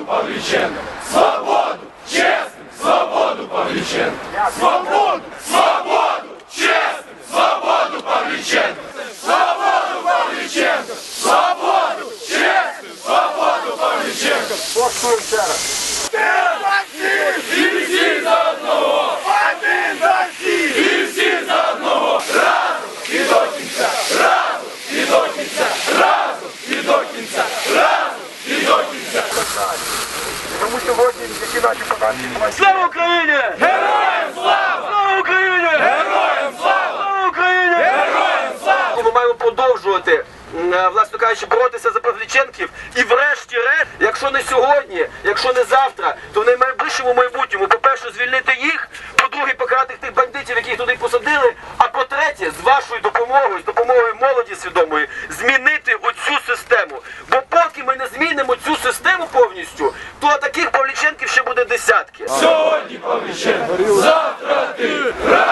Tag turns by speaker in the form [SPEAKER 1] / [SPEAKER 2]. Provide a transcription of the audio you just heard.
[SPEAKER 1] Павліченко! Свободу! Чесним! Свободу Павліченко! Свободу! Свободу! Чесним! Свободу Павліченко! Свободу Павліченко! Свободу! Чесним! Свободу Павліченко!
[SPEAKER 2] Послухаємо ще раз.
[SPEAKER 1] І всі за одного!
[SPEAKER 2] Один за всіх!
[SPEAKER 1] І всі за одного! Разом і до кінця! Разом і до кінця! Разом і до кінця! Разом і до кінця!
[SPEAKER 2] Тому сьогодні, які наші податки...
[SPEAKER 3] Слава Україні!
[SPEAKER 1] Героям слава!
[SPEAKER 3] Слава Україні!
[SPEAKER 1] Героям слава!
[SPEAKER 3] Слава Україні!
[SPEAKER 1] Героям слава!
[SPEAKER 3] Ми маємо продовжувати, власне кажучи, боротися за Павліченків і врешті-решт, якщо не сьогодні, якщо не завтра, то в найближчому майбутньому, по-перше, звільнити їх, по-друге, покарати тих бандитів, яких туди посадили, а по-третє, з вашою допомогою, з допомогою молоді свідомої, змінити оцю систему. Бо поки ми не змінимо цю систему повністю, то таких Павліченків ще буде десятки.
[SPEAKER 1] Сьогодні Павліченко, завтра ти!